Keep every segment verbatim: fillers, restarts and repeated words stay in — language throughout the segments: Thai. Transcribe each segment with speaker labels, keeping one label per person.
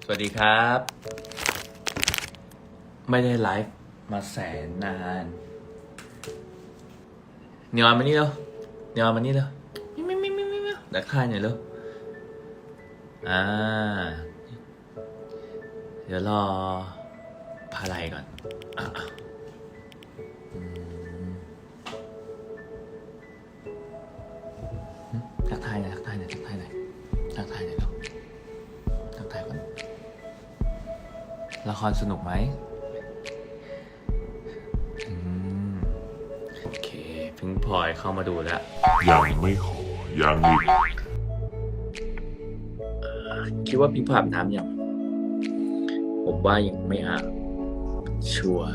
Speaker 1: วัสดีครับไม่ได้ไลฟ์มาแสนนานเนียนมานี่เร็วเนียนมานี่เร็วมิมิมิมิมิดักทายหน่อยเร็วอ่าเดี๋ยวรอพาไลก่อนอ่ะทักทายหน่อยทักทายหน่อยทักทายหน่อยทักทายหน่อยเร็วทักทายก่อนละครสนุกไหมอืมโอเคพิงพลอยเข้ามาดูแล้ว
Speaker 2: ยังไม่ขอยังอีก
Speaker 1: คิดว่าพิงพลอยอาบน้ำยังผมว่ายังไม่อาบชัวร์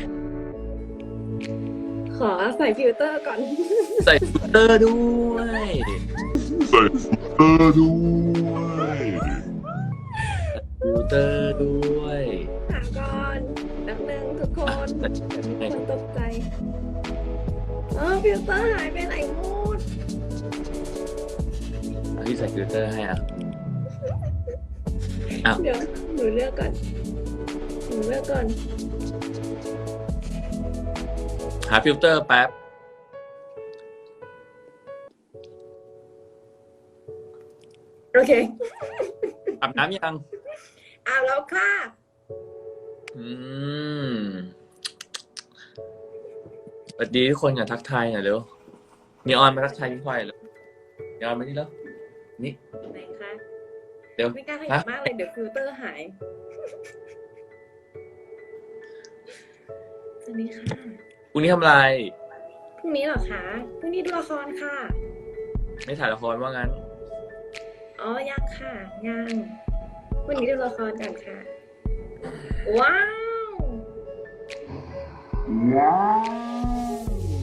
Speaker 3: ขอใส่ฟิลเตอร์ก่อน
Speaker 1: ใส่ฟิลเตอร์ด้วย
Speaker 2: ใส่ฟิลเตอร์ด้วย
Speaker 1: ฟิลเตอร์ด้วย
Speaker 3: ถามก่อนแป๊บนึงทุกคนคนตกใจเออฟิลเตอร์หายไปไหนหมด
Speaker 1: พี่ใส่ฟิลเตอร์ให้อ่ะอ้าว
Speaker 3: เดี๋ยวหนูเลือกก่อนหนูเลือกก่อน
Speaker 1: หาฟิลเตอร์แป๊บ
Speaker 3: โอเค
Speaker 1: อาบน้ำยัง
Speaker 3: อาบแล้วค่ะ
Speaker 1: อืมสวัสดีทุกคนอย่าทักทายหน่อยเร็วมีออนมาทักทายพิงพลอยเลยมีออนมานี่แล้วนี่
Speaker 3: ไหนคะ
Speaker 1: เร็ว
Speaker 3: ไม่กล้าขยับมากเลยเดี๋ยวฟิลเตอร์หายสวัสดีค่ะ
Speaker 1: พรุ่งนี้ทำอะไร
Speaker 3: พรุ่งนี้เหรอคะพรุ่งนี้ดูละครค่ะ
Speaker 1: ไม่ถ่ายละครว่างั้น
Speaker 3: อ๋อยังค่ะยังวันนี้ดูละครกันค่ะว้าวว้าว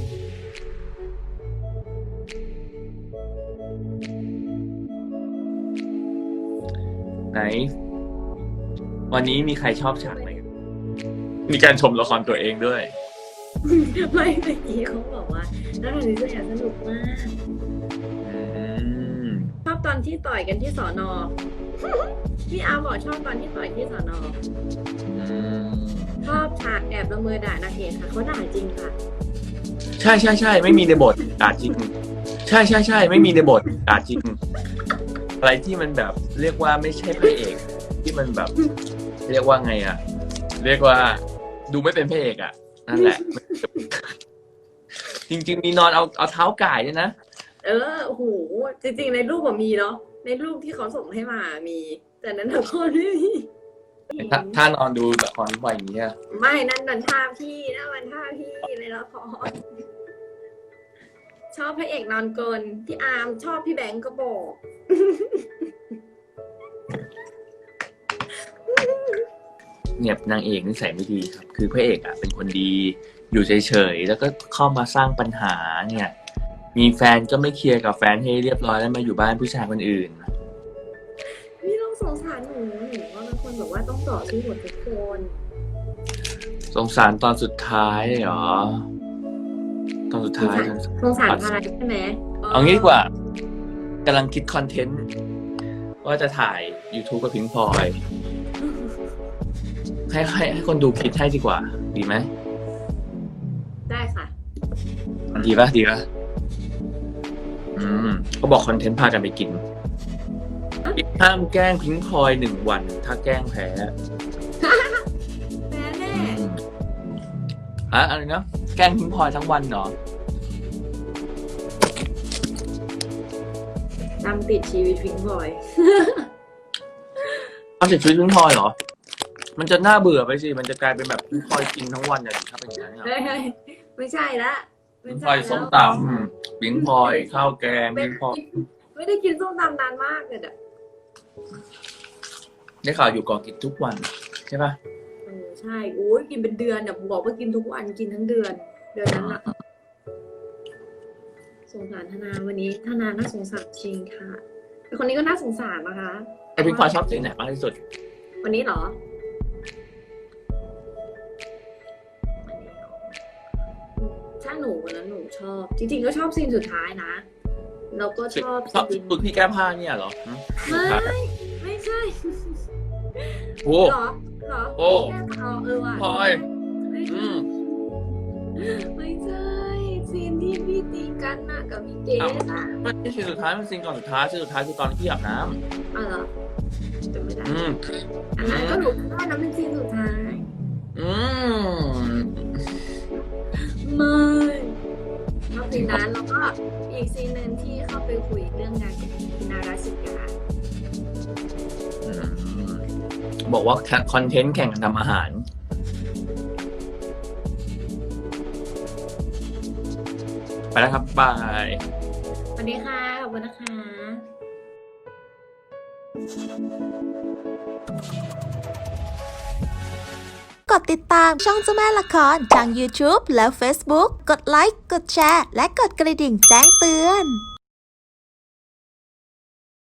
Speaker 1: ไหนวันนี้มีใครชอบฉากไหนมีการชมละครตัวเองด้วย
Speaker 3: ไม่เมื่อกี้เขาบอกว่าแล้วตอนนี้จะฉากสนุกมากชอบตอนที่ต่อยกันที่สอนอพี่อาร์บอกชอบตอนที่ต่อยที่สอนอชอบฉากแอบละเมอด่านางเอกค่ะเขาด่าจริงค่ะ
Speaker 1: ใช่ใช่ใช่ไม่มีในบทด่าจริงใช่ใช่ใช่ไม่มีในบทด่าจริงอะไรที่มันแบบเรียกว่าไม่ใช่พระเอกที่มันแบบเรียกว่าไงอะเรียกว่าดูไม่เป็นพระเอกอะนั่นแหละจริงๆมีนอนเอาเอาเท้าก่ายด้วยนะ
Speaker 3: เออโอ้โหจริงๆในรูปอะมีเนาะในรูปที่เขาส่งให้มามีแต่นั้นละครไม่มี
Speaker 1: ถ้านอนดูละครบ่อยอย่างเงี้ย
Speaker 3: ไม่นั่นนันท่าพี่นั่นมันท่าพี่ในละครชอบพระเอกนอนกลนพี่อาร์มชอบพี่แบงก์ก็บอก
Speaker 1: เนี่ยนางเอกนิสัยไม่ดีครับคือพระเอกอ่ะเป็นคนดีอยู่เฉยๆแล้วก็เข้ามาสร้างปัญหาเนี่ยมีแฟนก็ไม่เคลียร์กับแฟนให้เรียบร้อยแล้วมาอยู่บ้านผู้ชายคนอื่น
Speaker 3: นี่ต้องสงสารหนูหนูว่าบางคนบอกว่าต้องต่อสู้หมดทุกคน
Speaker 1: สงสารตอนสุดท้ายเหรอตอนสุดท้าย
Speaker 3: สงสารอะไรใช่ไหม
Speaker 1: เอางี้ดีกว่ากำลังคิดคอนเทนต์ว่าจะถ่าย YouTube กับพิงพลอยให้ให้ให้คนดูคิดให้ดีกว่าดีไหม
Speaker 3: ได้ค่ะ
Speaker 1: ดีป่ะดีป่ะอืมเขาบอกคอนเทนต์พากันไปกินห้ามแกล้งพิงพลอยหนึ่งวันถ้าแกล้งแพ้
Speaker 3: แพ้แน่
Speaker 1: อะอะไรนะแกล้งพิงพลอยทั้งวันเหรอ
Speaker 3: ตามติดชีวิตพิงพลอย
Speaker 1: ตามติดชีวิตพิงพลอยเหรอมันจะน่าเบื่อไปสิมันจะกลายเป็นแบบพิงพลอยกินทั้งวันอย่างถ้าเป็นอย่างนั้น
Speaker 3: ไม่ใช่ละ
Speaker 1: พิงพลอยส้มตำพิงพลอยข้าวแกงพิงพลอย
Speaker 3: ไม่ได้กินส้มตำนานมากเลยอะ
Speaker 1: ได้ข่าวอยู่ก่อกินทุกวันใช่ป่ะ
Speaker 3: เออใช่โอ้ยกินเป็นเดือนเนี่ยบอกว่ากินทุกวันกินทั้งเดือนเดือนนั้นอะสงสารธนาวันนี้ธนาน่าสงสารจริงค่ะแต่คนนี้ก็น่าสงสารนะคะ
Speaker 1: ไอพิงพลอยชอบสีไหนมากที่สุด
Speaker 3: วันนี้เหรอถ้าหนูวันนั้นหนูชอบจริงๆก็ชอบซีนสุดท้ายนะแล้วก็ชอบ
Speaker 1: ชอบคุณพี่แก้ผ้าเนี่ยเหรอ
Speaker 3: ไม่ไม่ใช่
Speaker 1: โอ้
Speaker 3: เหรอเหรอ
Speaker 1: โอ้
Speaker 3: แค่เอาเออว่ะ
Speaker 1: พลอย
Speaker 3: ไม่
Speaker 1: อืม
Speaker 3: ไม่ใช่ซีนที่พี่ตีกันน่ะกับพี่เกดอ่ะ
Speaker 1: ไม่ใช่ซีนสุดท้ายมันซีนก่อนสุดท้ายซีนสุดท้ายคือตอนที่พี่อาบน้
Speaker 3: อ๋อเหรอจำไม่ได้
Speaker 1: ำอืม
Speaker 3: อันนั้นก็หนูคิดว่านั้นเป็นซีนสุดท้าย
Speaker 1: อืม
Speaker 3: ไม่นอกจากนั้นแล้วก็อีกซีนหนึ่งที่เข้าไปคุยเรื่องงานกับพี่นาราชิกา
Speaker 1: อืมบอกว่าคอนเทนต์แข่งกันทำอาหาร ไปแล้วครับ บาย
Speaker 3: สวัสดีค่ะ ขอบคุณนะคะ
Speaker 4: กดติดตามช่องเจ้าแม่ละครทาง YouTube และ Facebook กดไลค์ กดแชร์ และกดกระดิ่งแจ้งเตือน